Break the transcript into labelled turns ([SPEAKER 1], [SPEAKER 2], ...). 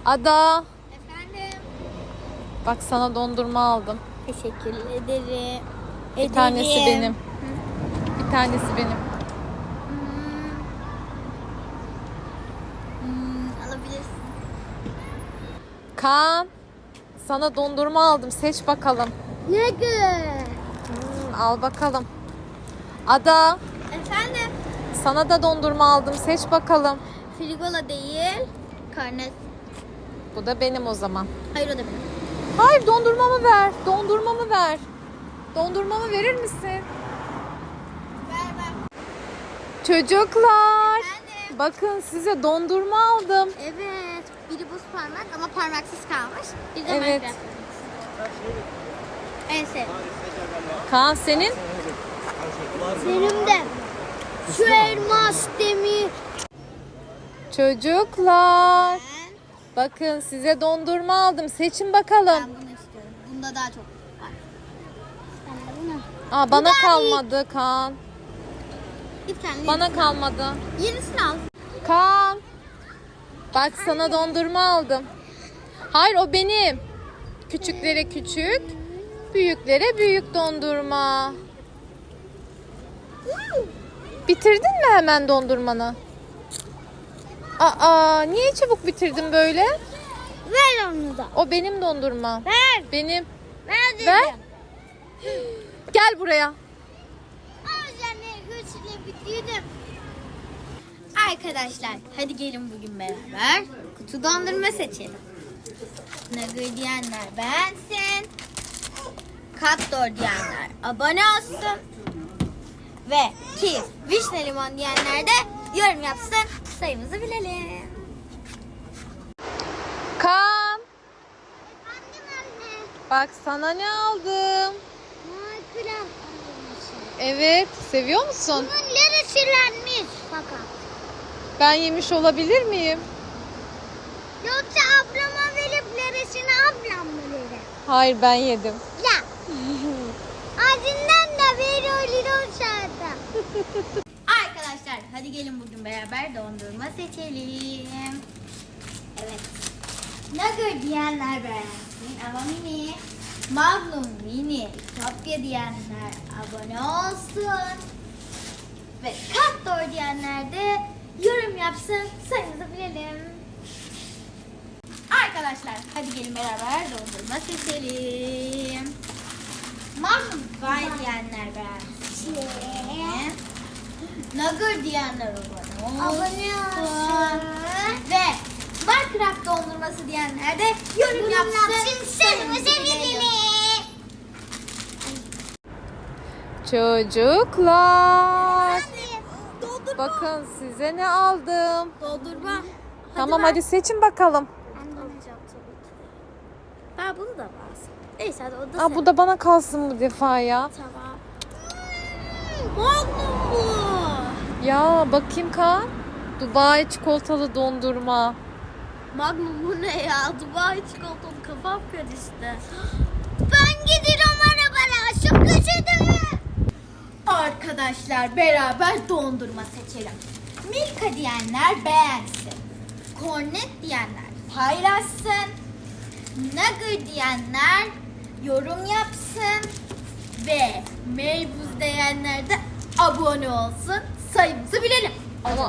[SPEAKER 1] Ada,
[SPEAKER 2] Efendim.
[SPEAKER 1] bak sana dondurma aldım.
[SPEAKER 2] Teşekkür ederim.
[SPEAKER 1] Bir tanesi benim. Bir tanesi benim.
[SPEAKER 2] Alabilirsin.
[SPEAKER 1] Kaan, sana dondurma aldım. Seç bakalım.
[SPEAKER 2] Ne güzel.
[SPEAKER 1] Al bakalım. Ada,
[SPEAKER 2] Efendim.
[SPEAKER 1] sana da dondurma aldım. Seç bakalım.
[SPEAKER 2] Frigola değil. Karnet.
[SPEAKER 1] Bu da benim o zaman.
[SPEAKER 2] Hayır, o da benim.
[SPEAKER 1] Hayır, dondurmamı ver. Dondurmamı ver. Dondurmamı verir misin?
[SPEAKER 2] Ver.
[SPEAKER 1] Çocuklar,
[SPEAKER 2] Efendim.
[SPEAKER 1] bakın size dondurma aldım.
[SPEAKER 2] Evet. Biri buz parmak ama parmaksız kalmış. Bir de
[SPEAKER 1] Evet.
[SPEAKER 2] Minecraft. En sevdiğim.
[SPEAKER 1] Kaan senin?
[SPEAKER 2] Benim de. Şu elmas demir.
[SPEAKER 1] Çocuklar, bakın size dondurma aldım. Seçin bakalım.
[SPEAKER 2] Ben bunu istiyorum. Bunda daha çok var. Ben de bunu.
[SPEAKER 1] Aa, bana
[SPEAKER 2] Bu da
[SPEAKER 1] kalmadı Kaan.
[SPEAKER 2] Git kendin.
[SPEAKER 1] Bana kalmadı.
[SPEAKER 2] Yenisini al.
[SPEAKER 1] Kaan, bak sana dondurma aldım. Hayır, o benim. Küçüklere küçük, büyüklere büyük dondurma. Bitirdin mi hemen dondurmanı? Aa, niye çabuk bitirdin böyle?
[SPEAKER 2] Ver onu da.
[SPEAKER 1] O benim dondurma.
[SPEAKER 2] Ver.
[SPEAKER 1] Benim.
[SPEAKER 2] Ver dedim.
[SPEAKER 1] Ver. Gel buraya.
[SPEAKER 2] Anne hırsıyla bitirdim. Arkadaşlar hadi gelin bugün beraber kutu dondurma seçelim. Nugget diyenler beğensin. Katdor diyenler abone olsun. Ve ki vişne limon diyenler de yorum yapsın. Sayımızı bilelim.
[SPEAKER 1] Kaan,
[SPEAKER 2] Annem anne.
[SPEAKER 1] bak sana ne aldım.
[SPEAKER 2] Minecraft.
[SPEAKER 1] Evet, seviyor musun?
[SPEAKER 2] Bunun yarısılanmış fakat.
[SPEAKER 1] Ben yemiş olabilir miyim?
[SPEAKER 2] Yoksa ablama verip yarısını ablam mı verir?
[SPEAKER 1] Hayır, ben yedim.
[SPEAKER 2] Ya. Ağzından da veriyor olsaydı. Arkadaşlar hadi gelin bugün beraber dondurma seçelim. Evet. Nugget diyenler beğensin ama mini. Magnum mini. Topya diyenler abone olsun. Ve Katdor diyenler de yorum yapsın. Sayımızı bilelim. Arkadaşlar hadi gelin beraber dondurma seçelim. Magnum Vay diyenler beğensin. Nugget diyenler abone olsun. Ve Minecraft dondurması diyenler de yorum yapsın. Sayımızı bilelim.
[SPEAKER 1] Çocuklar,
[SPEAKER 2] Dondurma.
[SPEAKER 1] bakın size ne aldım.
[SPEAKER 2] Dondurma.
[SPEAKER 1] Tamam, hadi seçin bakalım.
[SPEAKER 2] Ben de alacağım tabii ki de. Ben bunu da alsın. Neyse hadi o da
[SPEAKER 1] Aa, bu da bana kalsın bu defa ya.
[SPEAKER 2] Tamam. Magnum bu.
[SPEAKER 1] Ya bakayım Kaan. Dubai çikolatalı dondurma.
[SPEAKER 2] Magnum bu ne ya? Dubai çikolatalı kafam karıştı. Ben gidiyorum arabaya. Şu köşede. Arkadaşlar beraber dondurma seçelim. Milka diyenler beğensin. Kornet diyenler paylaşsın. Nugget diyenler yorum yapsın. Ve meybuz diyenler de abone olsun. Sayımızı bilelim.
[SPEAKER 1] Ama